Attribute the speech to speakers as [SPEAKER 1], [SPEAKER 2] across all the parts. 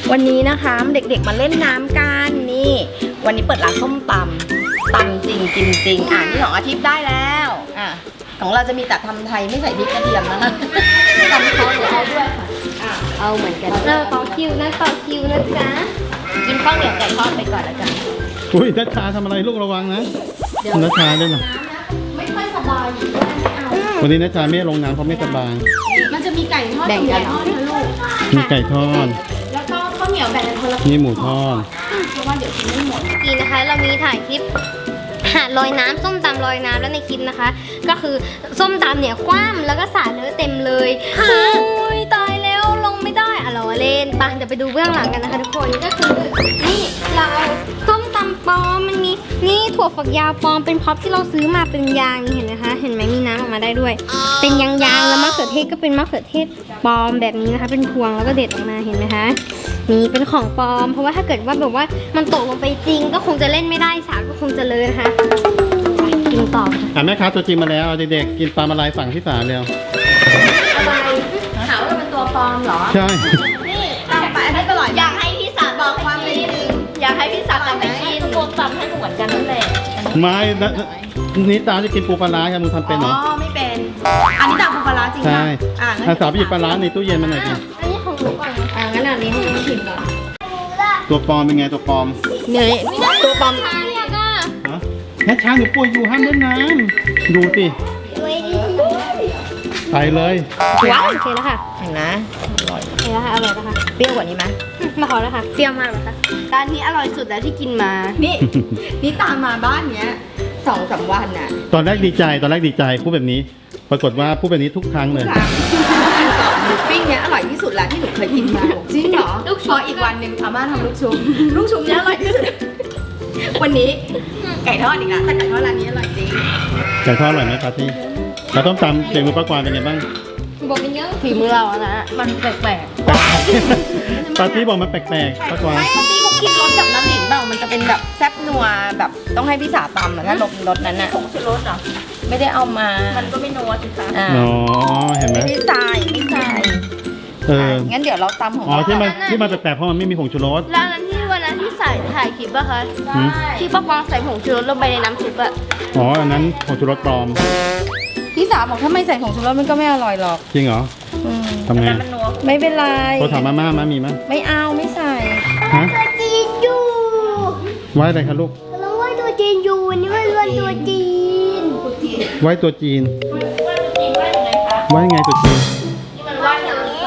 [SPEAKER 1] วันนี้นะคะเด็กๆมาเล่นน้ำกันนี่วันนี้เปิดร้านส้มตำจริงกินจริงนี่ของอาทิตย์ได้แล้วของเราจะมีแต่ทำไทยไม่ใส่พริกกระเทียมนะคะตำเขาเดี๋ยวเอาด้วยค่ะเอาเหมือนกันต่อคิวนะจ๊ะกินข้าวเหนียวไก่ทอดไปก่อนแล้วกัน
[SPEAKER 2] อุ้ยนัชชาทำอะไรลูกระวังนะนัชชาด้วยนะ
[SPEAKER 1] ไม่ค่อยสบายอยู่ด้วยไม่เอา
[SPEAKER 2] วันนี้นัชชาไม่ลงน้ำเพราะไม่สบาย
[SPEAKER 1] มันจะมีไก่ทอดแบ่งกันนะลูก
[SPEAKER 2] มีไก่ทอด
[SPEAKER 1] แล้วก็ข้าวเหนียวแบ่งกันคนละ
[SPEAKER 2] นี่หมูทอด
[SPEAKER 1] เพราะว่าเดี๋ยวกินไม่หมด
[SPEAKER 3] นี่นะคะเรามีถ่ายคลิปหาดลอยน้ำส้มตำลอยน้ำแล้วในคลิปนะคะก็คือส้มตำเนี่ยคว่ำแล้วก็สาดเนื้อเต็มเลยโอ้ยตายแล้วลงไม่ได้เราเล่นปะเดี๋ยวไปดูเบื้องหลังกันนะคะทุกคนก็คือนี่เราส้มตำปลอมมันมีนี่ถั่วฝักยาวปลอมเป็นพ็อปที่เราซื้อมาเป็นยางนี่เห็นไหมคะเห็นไหมมีน้ำออกมาได้ด้วยเป็นยางแล้วมะเขือเทศก็เป็นมะเขือเทศปลอมแบบนี้นะคะเป็นพวงแล้วก็เด็ดออกมาเห็นไหมคะนี่เป็นของปลอมเพราะว่าถ้าเกิดว่าแบบว่ามันตกลงไปจริงก็คงจะเล่นไม่ได้สาก็คงจะเลยนะคะกินต่อ
[SPEAKER 2] แม่ค้าตัวจริงมาแล้วเด็กๆกินปลามาลายฝั่งที่สามเร็ว
[SPEAKER 1] อะไรหาว่าเป็นตัวปลอมเหรอ
[SPEAKER 2] ใช่
[SPEAKER 1] นี่ตำไปให้ตลอดอยากให้พี่สาวบอกความจริงอยากให้พี่สาวตำไปกินตัวตำให้เหมือนกันนั่นแหละ
[SPEAKER 2] ไม่นี่ตาจะกินปูปลาร้าครับมึงทำเป็นเหรอ
[SPEAKER 1] ไม่เป็นอันนี้ตำปูปลาร้าจริง
[SPEAKER 2] ใช่สาวไปหยิบปลาร้าในตู้เย็นมาหน่อยดิ
[SPEAKER 3] อันนี้ของหนูก่อน
[SPEAKER 1] งั้นอันนี้ให้น้องชิมก่อน
[SPEAKER 2] ตัวปลอมเป็นไงตัวปลอม
[SPEAKER 1] เนี่ยตัวปลอม
[SPEAKER 2] นัชชาหนูป่วยอยู่ห้ามเล่นน้ำดูสิไปเลย
[SPEAKER 3] ว้าวโอเคแล้วค่ะ
[SPEAKER 1] เห็นนะ
[SPEAKER 3] อร่อยแล้วค่ะอร่อยแล้วค่ะ
[SPEAKER 1] เปรี้ยวกว่านี้ไหม
[SPEAKER 3] มาขอแล้วค่ะเปรี้ยวมากเลยค่ะ
[SPEAKER 1] ร้านนี้อร่อยสุดแล้วที่กินมานี่ตามมาบ้านเนี้ย2-3 วันน่ะ
[SPEAKER 2] ตอนแรกดีใจพูดแบบนี้ปรากฏว่าพูดแบบนี้ทุกครั้งเลย
[SPEAKER 1] หมูปิ้งเนี้ยอร่อยที่สุดแล้วที่หนูเคยกินมาจริงเหรอลูกชุบอีกวันหนึ่งอาม่าทำลูกชุบเนี้ยอร่อยที่สุดวันนี้ไก่ทอดอีกแล้วแต่ไก่ทอดร้านนี้อร่อยจริง
[SPEAKER 2] ไก่ทอดอร่อยไหมปาร์ตี้เราต้องตำเจียงมือป้ากวางเป็นไงบ้าง
[SPEAKER 3] บอกเป็นเยอะ
[SPEAKER 1] ฝีมือเราอะนะมันแปลก
[SPEAKER 2] ปาร์ตี้บอกมันแปลกๆป้ากวาง
[SPEAKER 1] ปาร์ตี้เขาคิดรสแบบน้ำหนิงเปล่ามันจะเป็นแบบแซ่บนัวแบบต้องให้พี่สาวตำถ้ารสนั้นน่ะผงชูรสเหรอไม่ได้เอามามันก็ไม่นัวสิคะ
[SPEAKER 2] อ๋อเห็นไหม
[SPEAKER 1] ไม่ใส่งั้นเดี๋ยวเราตำของเรา
[SPEAKER 2] ที่มันแปลกๆเพราะมันไม่มีผงชูรส
[SPEAKER 3] แล้วนั้นที่วันนั้นที่ใส่ถ่ายคลิปป่ะคะที่ป้ากวางใส่ผงชูรสลงไปในน้ำซุปอะ
[SPEAKER 2] อันนั้นผงชูรสปลอม
[SPEAKER 1] พี่สาวบอกถ้าไม่ใส่ผงชูรสมันก็ไม่อร่อยหรอก
[SPEAKER 2] จริงเหรอทำไง
[SPEAKER 1] ไม่เป็นไร
[SPEAKER 2] พอถามม่ามีมั้ย
[SPEAKER 1] ไม่เอาไม่ใส่
[SPEAKER 3] ตัวจีนอยู่
[SPEAKER 2] ไว้อะไรคะลูก
[SPEAKER 3] เราไว้ตัวจีนอยู่นี่มันวันตัวจีน
[SPEAKER 2] ไว้ตัวจีนไว้ไงตัวจีน
[SPEAKER 3] มันว่าอย่างนี้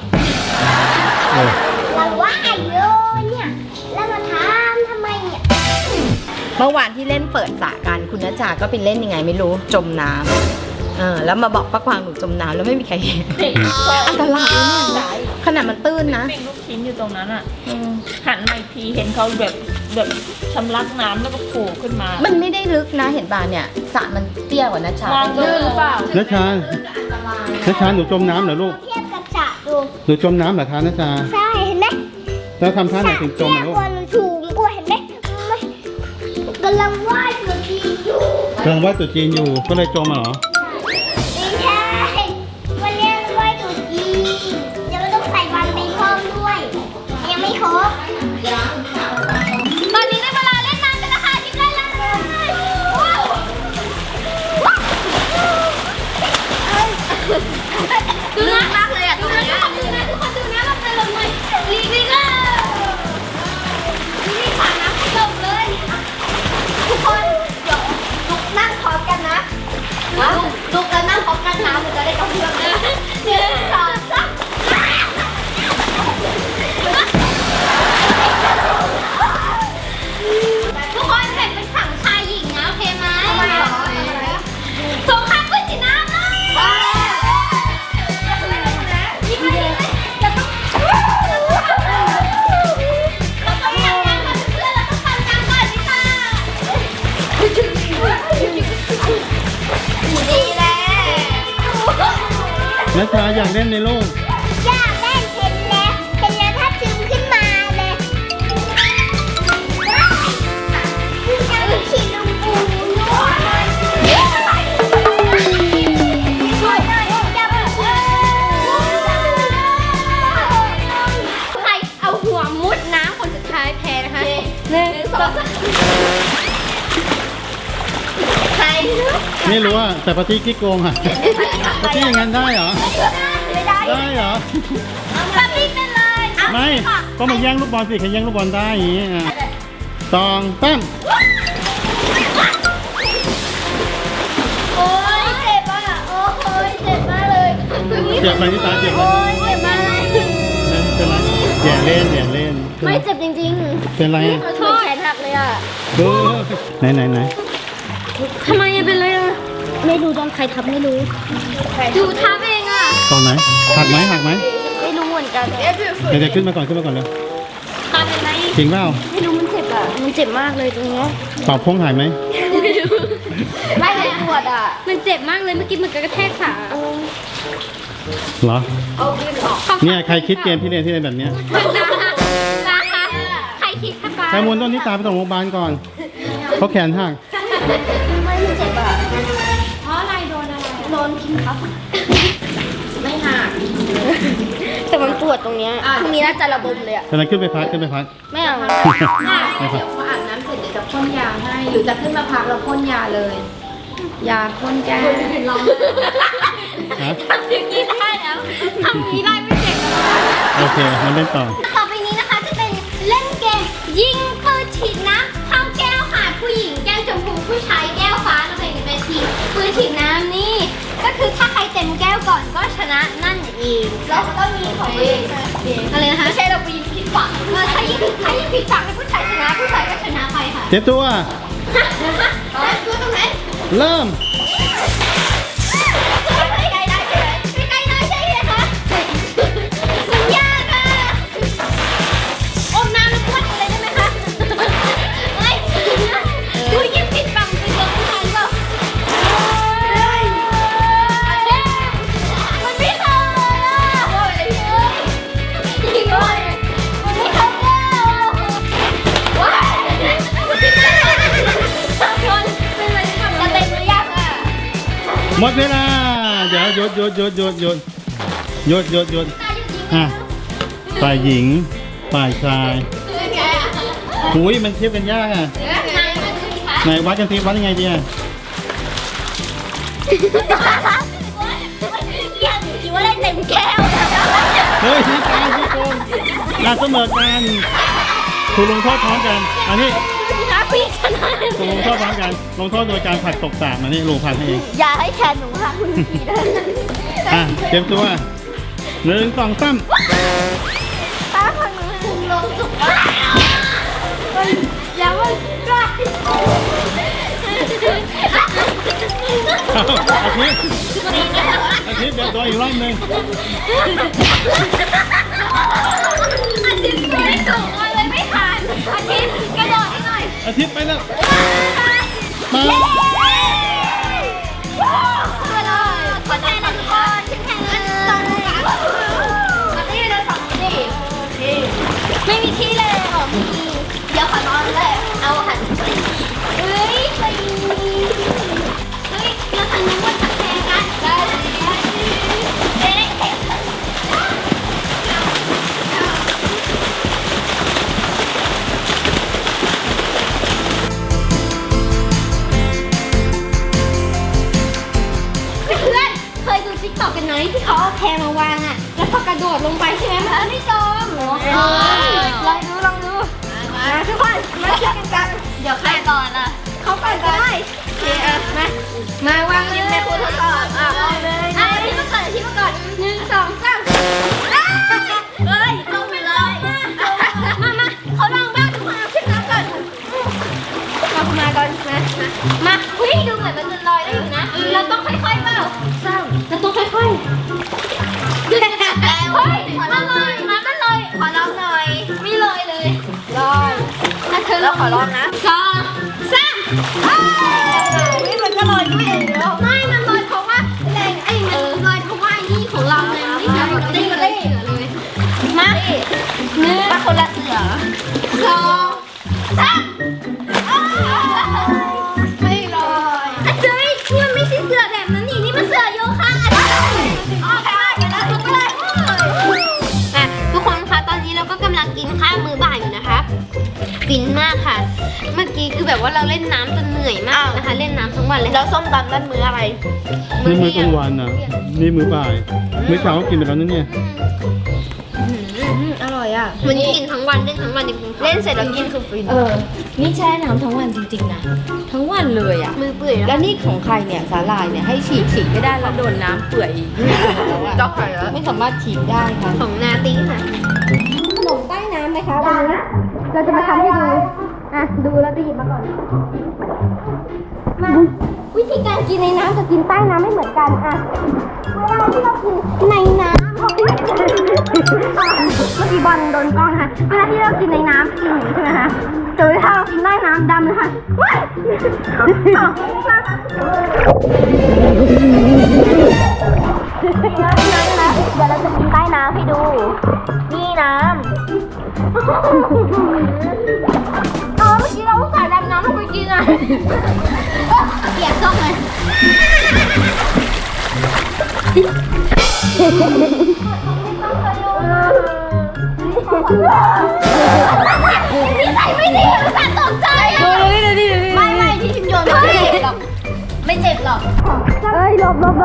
[SPEAKER 3] เราว่าเยอะเนี่ยแล้วมาถามทำไมเนี่ย
[SPEAKER 1] เมื่อวานที่เล่นเปิดสระกันคุณณจาก็ไปเล่นยังไงไม่รู้จมน้ำแล้วมาบอกป้ากวางหนูจมน้ำแล้วไม่มีใครเห็นอันตรายเนี่ยขนาดมันตื้นนะ
[SPEAKER 4] เป็นลูกชิ้นอยู่ตรงนั้นอ่ะหันมาอีกทีเห็นเขาแบบชำลักน้ำแล้วก็โผล่ขึ้นมา
[SPEAKER 1] มันไม่ได้ลึกนะเห็นป่ะเนี่ยสระมันเตี้ยกว่านะชาม
[SPEAKER 4] องดูหรือเปล่า
[SPEAKER 2] นัชชาหนูจมน้ำเหรอลูก
[SPEAKER 3] เทียบกับสระดู
[SPEAKER 2] หนูจมน้ำเหรอคะนัชชา
[SPEAKER 3] ใช่เห็นไหม
[SPEAKER 2] แล้วทำท่าไหนถึงจมลูก
[SPEAKER 3] กหนูถูกกว่าเห็นไหมกำลังว่ายตัวจีนอยู่
[SPEAKER 2] ก็เลยจมเหรอ
[SPEAKER 3] ไม่ใช่วันนี้ว่ายตัวจีนยังไม่ต้องใส่วันไปเพิ่มด้วยยังไม่ครบตอนนี้ได้เวลาเล่นน้ำกันแล้วค่ะที่ได้แล้วดูน่ามากเลยอ่ะทุกคนดูนะลงเลยลีกเลยนี่ผ่านน้ำให้ลงเลยทุกคนเดี๋ยวลุกนั่งพร้อมกันนะลุกแล้วนั่งพร้อมกันน้ำมันจะได้กระเพื่อมนะ1 2 3ทุกคนแบ่งเป็นฝั่งชายหญิงนะโอเคไหมสงครามกุ้งสีน้ำเลย
[SPEAKER 2] นัชชาอยากเล่นในลูก
[SPEAKER 3] อยากเล่นเห็นแล้วถ้าซึมขึ้นมาเลยจะขี่ลุงปูใครเอาหัวมุ
[SPEAKER 2] ไม่รู้อ่ะแต่ปาร์ตี้ขี้โกงอ่ะปาร์ตี้อย่างนั้นได้เหรอ
[SPEAKER 1] ไม่ได้
[SPEAKER 2] ได้เหรอ
[SPEAKER 3] ปาร์ตี้เป็นเลย
[SPEAKER 2] ไม่ก็มาแย่งลูกบอลสิใครแย่งลูกบอลได้อย่างงี้อ่ะตองตั้ม
[SPEAKER 3] โอ้ยเจ็บอ่ะโอ้ยเจ็บมากเลย
[SPEAKER 2] เจ็บไหมที่ตาเจ็บไหม
[SPEAKER 3] โอ้ยเจ็บมากเลย
[SPEAKER 2] เป็นไรอย่าเล่นอย่าเล่น
[SPEAKER 3] ไม่เจ็บจริง
[SPEAKER 2] เป็นไรอ่ะ
[SPEAKER 3] ๆโทษแขนหักเลยอ่ะ
[SPEAKER 2] ดูไหน
[SPEAKER 3] ทำไมเป็นเลยอ่ะไม่รู้โดนใครทับไม่รู้ดูทับเองอ่ะ
[SPEAKER 2] ตอนไหนหักไหม
[SPEAKER 3] ไม่รู้เหมือนกัน
[SPEAKER 2] เดี๋ยวขึ้นมาก่อนเลย
[SPEAKER 3] ทับเป็นไร
[SPEAKER 2] จริงเปล่า
[SPEAKER 3] ไม่รู้มันเจ็บอ่ะมันเจ็บมากเลยตรงเนี้ย
[SPEAKER 2] เป่าพงหายไหม
[SPEAKER 3] ไม่เลยปวดอ่ะมันเจ็บมากเลยเมื่อกี้มันกระแทกขา
[SPEAKER 2] เหรอ
[SPEAKER 1] เอายืนออก
[SPEAKER 2] เนี่ยใครคิดเกมที่เล่นแบบเนี้ย
[SPEAKER 3] นะคะใครคิดคะป้า
[SPEAKER 2] ใครมูลต้นที่ตาไปส่งโรงพยาบาลก่อนเขาแขนหัก
[SPEAKER 3] ไม่มันเจ็บอ่ะเพราะอะไรโดนอะไรโดนพิมพ์ครับ
[SPEAKER 1] ไม่หัก
[SPEAKER 3] แต่มันปวดตรงเนี้ยพรุ่งนี้น่าจะระบมเลยอ่ะ
[SPEAKER 2] ตอนนั้นขึ้นไปพัก
[SPEAKER 3] ไม่เอา
[SPEAKER 1] เดี๋ยวพออาบน้ำเสร็จเดี๋ยวจะพ่นยาให้ หรือจะขึ้นมาพักแล้วพ่นยาเลย ยาพ่นแก้
[SPEAKER 2] ฮะ
[SPEAKER 3] ทำอย่างนี้ได้แล้วทำอย่างนี้ได้ไม่เจ็บแล้ว
[SPEAKER 2] โอเคมันเล่นต่อ
[SPEAKER 3] ต่อไปนี้นะคะจะเป็นเล่นเกมยิงปืนฉีดน้ำเข้าแก้วค่ะผู้หญิงแก้วชมพูผู้ชายแก้วฟ้าเราแบ่งกันเป็นทีมปืนฉีดน้ำนี่ก็คือถ้าใครเต็มแก้วก่อนก็ชนะนั่นเองเราก็ต้องมีของตัวเองอะไรนะคะไม่ใช่เราไปยิงผิดฝั่งถ้ายิงผิดฝั่งให้ผู้ชายชนะผู้ชายก็ชนะไปค่ะ
[SPEAKER 2] เจ็บตัว
[SPEAKER 3] ตัวตรงไหน
[SPEAKER 2] เริ่ม
[SPEAKER 3] ใกล้ได้ใช่ไหมใกล้ได้ใช่ไหมคะมันยากอะอมน้ำแล้วพวดอะไรได้ไหมคะไม่ดูยิงผิดฝั่งไปโดนผู้ชายเปล่ามันไม่เข้าเลยอะยิงเลยมันไม่เข้าแล้วว้ายมันติดได้คนเป็นอะไรที่ทำจะเต็มหรือยังอะ
[SPEAKER 2] หมดเวลาเดี๋ยวหยุดอ่ะฝ่ายหญิงฝ่ายชายหุยมันเทียบกันยากอ่ะไหนวัดกันสิวัดยังไงดีอ่ะ
[SPEAKER 3] ยังคิดว่าได้เต็มแก้ว
[SPEAKER 2] เฮ้ยชี้กลางชี้โกงเสมอกันถูกลงโทษพร้อมกันอันนี้
[SPEAKER 3] นะพี่ชนะ
[SPEAKER 2] ถูกลงโทษพร้อมกันลงโทษโดยการผลักตกสระมานี่ลุงผลักให้เอง
[SPEAKER 3] อย่าให้แขนหนูค่ะคุณพี่นะ
[SPEAKER 2] อ่ะเตรียมตัว1 2 3
[SPEAKER 3] ป้าพังหนูลงสุกอย่ามันใกล้
[SPEAKER 2] อาทิตย์เดี๋ยวตัวอีกรอบหนึ่ง
[SPEAKER 3] อาทิตย์ไม่สูงเลยไม่ทันอาทิตย์กระโดดให้หน่อย
[SPEAKER 2] อาทิตย์ไปแล้วมา
[SPEAKER 3] คนไทยทุกคนชิ้นแข่งกันนี่เราสองนี่ไม่มีที่เลยหรอมีเดี๋ยวขอนอนเลยเอาหันไปเฮ้ยไปเฮ้ยเราทำนึกว่าจะแข่งกันได้เอ๊ะเพื่อนเคยดูติ๊กต็อกกันไหมที่เขาเอาแพรมาวางอ่ะแล้วพอกระโดดลงไปใช่ไหมมันไม่จมลองดูมาทุกคนมาช่วยกันกันเดี๋ยวใครก่อนล่ะเขาก่อนก็ได้โอเคมาวางริมในครูทดสอบวางเลยที่มาก่อนที่มาก่อน1 2 3เฮ้ยลงไปเลยมาเขาลองบ้างทุกคนเอาขึ้นน้ำก่อนมาก่อนมาวิ่งดูเหมือนมันจะลอยได้อยู่นะเราต้องค่อยๆเปล่าเราต้องค่อยๆเฮ้ยมันลอยขอลองหน่อยไม่ลอยเลยลอยถ้าเธอเราขอลองนะ2 3นี่มันก็ลอยด้วยเองแล้วไม่มันลอยเพราะว่าแรงไอ้มันลอยเพราะว่าไอ้นี่ของเราไงนี่คือแบบตีเลยเสือเลยมา1มาคนละเสือ2 3ไม่ลอยเจ๊นี่มันไม่ใช่เสือแบบนั้นนี่มันเสือโยคะออกไปเดี๋ยวเราทุกเลยทุกคนคะตอนนี้เราก็กำลังกินข้าวมื้อบ่ายอยู่นะคะฟินมากค่ะเมื่อกี้คือแบบว่าเราเล่นน้ำจนเหนื่อยมากนะคะ เล่นน้ำทั้งวันเลย
[SPEAKER 4] แล้วส้มตำนั่นมื้ออะไร
[SPEAKER 2] นี่มื้อกลางวันอ่ะ นี่มื้อบ่าย มื้อเช้าก็กินไปแล้วนั่นเนี่ย
[SPEAKER 1] อร่อยอ่ะ
[SPEAKER 3] วันนี้กินทั้งวันเล่นทั้งวันจริงๆ
[SPEAKER 4] เล่นเสร็จแล้วกินคือฟิน
[SPEAKER 1] นี่แช่น้ำทั้งวันจริงๆนะทั้งวันเลยอ่ะ
[SPEAKER 3] มือเปื่อย
[SPEAKER 1] แล้
[SPEAKER 3] แล้ว
[SPEAKER 1] วนี่ของใครเนี่ยสาหร่ายเนี่ยให้ฉีกไม่ได้แล้วโดนน้ำเปื่อยแล้วอ่ะ
[SPEAKER 4] เจ้าไข่แล้ว
[SPEAKER 1] ไม่สามารถฉีกได้ค่ะ
[SPEAKER 3] ของนาตีค่ะ
[SPEAKER 1] ขนมใต้น้ำไหมคะวันนี้เราจะมาทำให้ดูอ่ะดูแล้วจะหยิบมาก่อนมาวิธีการกินในน้ำกับกินใต้น้ำไม่เหมือนกันอ่ะเวลาที่เรากินในน้ำเมื่อกี้บอลโดนกล้องนะคะเวลาที่เรากินในน้ำกินอย่างนี้ใช่ไหมคะแต่เวลาเรากินใต้น้ำดำนะคะว้ายนะเดี๋ยวเราจะกินใต้น้ำให้ดู นี่น้ำอ๋อเมื่อกี้เราใส่ดำน้ำลงไปกินอ่ะเปียกต้องเลยนี่ใส่ไม่ดีรู้สึกตกใจดูดิไม่ที่ชิมโยนไม่เจ็บหรอกไม่เจ็บหรอกเอ้ยหลบเหมื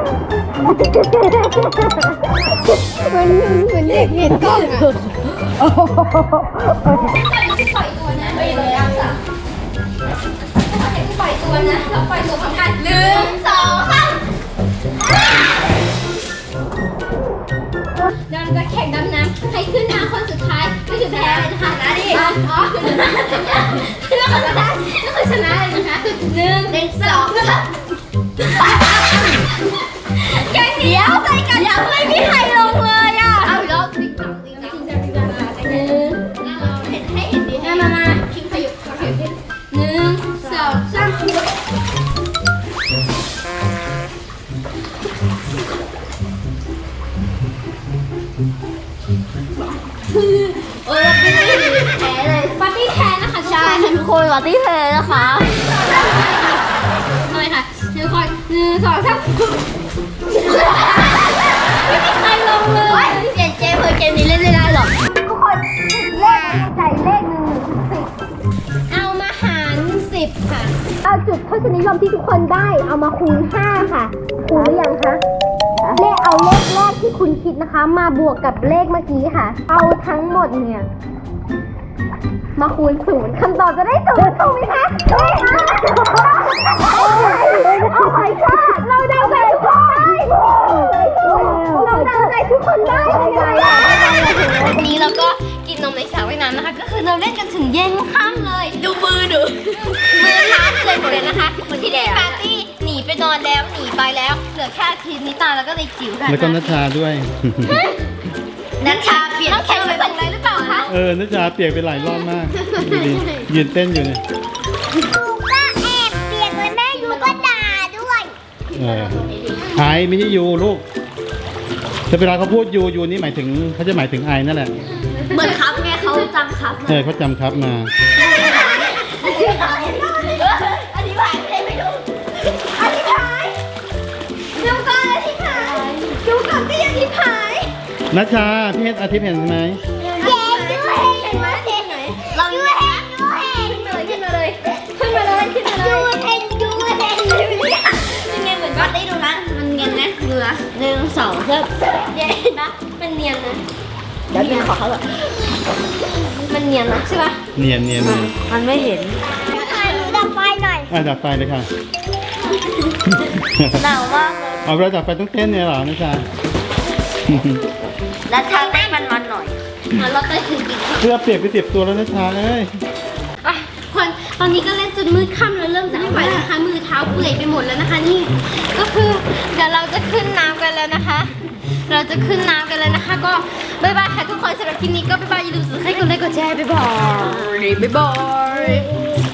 [SPEAKER 1] อนเด็กเห็นกล้องอ่ะปล่อยตัวนะไม่เลยอ่ะปล่อยตัวนะเราปล่อยตัวพร้อมกัน1 2 3เดินจะแข่งดำน้ำใครขึ้นมาคนสุดท้ายก็คือแพ้เลยนะคะนะดิอ๋อขึ้นมาคนสุดท้ายก็คือชนะเลยนะคะ1 2 3ยังเดียวใจกันยังไม่มีใครลงเลยอ่ะเอาอีกรอบติ๊กต๊อกติ๊กต๊อกเห็นให้เห็นดีให้มาคิมขยุบ1 2 3โอ้ยปาร์ตี้แพ้เลยปาร์ตี้แพ้นะคะใช่ทุกคนปาร์ตี้แพ้นะคะทำไมคะทุกคน1 2 3ไม่มีใครลงเลยเปลี่ยนเกมเพื่อเกมนี้เล่นไม่ได้หรอกทุกคนเลขใจเลข1 เอามาหาร10ค่ะเอาจุดทศนิยมที่ทุกคนได้เอามาคูณ5ค่ะคูณหรือยังคะเอาเลขแรกที่คุณคิดนะคะมาบวกกับเลขเมื่อกี้ค่ะ เอาทั้งหมดเนี่ยมาคูณ0คำตอบจะได้0ถูกไหมคะโอ้my god เราเดาใจทุกคนได้เราเดาใจทุกคนได้ยังไงอ่ะวันนี้เราก็กินนมในสระว่ายน้ำนะคะก็คือเราเล่นกันถึงเย็นค่ำเลยดูมือเท้าเลยหมดเลยนะคะที่ได้ปาร์ตี้หนีไปนอนแล้วหนีไปแล้วเหลือแค่ทีนิตาแล้วก็ในจิ๋วค่ะ
[SPEAKER 2] แล้วก็นัชชาด้วย
[SPEAKER 3] นัชชาเปลี่ยนน้ำแข็งไปส่งอะไรหรือเปล่าคะ
[SPEAKER 2] นัชชาเปียกไปหลายรอบมากดูดิยืนเต้นอยู่เนี่ย
[SPEAKER 3] ก็แอบเปียกเลยแม่ยูก็ด่าด้วย
[SPEAKER 2] ไอไม่ใช่ยูลูกแต่เวลาเขาพูดยูนี่หมายถึงเขาจะหมายถึงไอนั่นแหละ
[SPEAKER 3] เหมือนครับไงเขาจำครับ
[SPEAKER 2] เขาจำครับมา
[SPEAKER 3] อธิบายไม่รู้อธิบายดูก่อนอธิบายดูก่อนที่อธิบาย
[SPEAKER 2] นัชชาพี่เห็นอาทิตย์เห็นไหม
[SPEAKER 3] เห็นไหมเห็นไหมเราดูเห็นขึ้นมาเลยขึ้นมาเลยดูเห็นยังไงเหมือนก็ได้ดูนะมันเนียนนะดูนะ1 2เพิ่มเย็นนะมันเนียนนะ
[SPEAKER 1] เดี๋ยวเป็นขอเขาแบบ
[SPEAKER 3] มันเนียนนะใช่ปะ
[SPEAKER 2] เนียน
[SPEAKER 1] มันไม่เห็น
[SPEAKER 3] หนูดับไฟหน่อย
[SPEAKER 2] ดับไฟเลยค่ะ
[SPEAKER 3] หนาวมากเลย
[SPEAKER 2] เอาเวลาดับไฟต้องเต้นเนี่ยเหรอนัชชา
[SPEAKER 3] แล้วทางได้มันหน่อยเราไปถึงอีก
[SPEAKER 2] เสื้อเปียกไป10 ตัวแล้วนัชชาเอ้ย
[SPEAKER 3] คนตอนนี้ก็เล่นจนมืดค่ำแล้วเริ่มจะไม่ไหวแล้วนะคะมือเท้าเปื่อยไปหมดแล้วนะคะนี่ก็คือเดี๋ยวเราจะขึ้นน้ำกันแล้วนะคะ เราจะขึ้นน้ำกันแล้วนะคะ ก็บ๊ายบายค่ะทุกคนสำหรับคลิปนี้ก็บ๊ายบายอย่าลืมกดไลค์กดแชร์บ๊ายบาย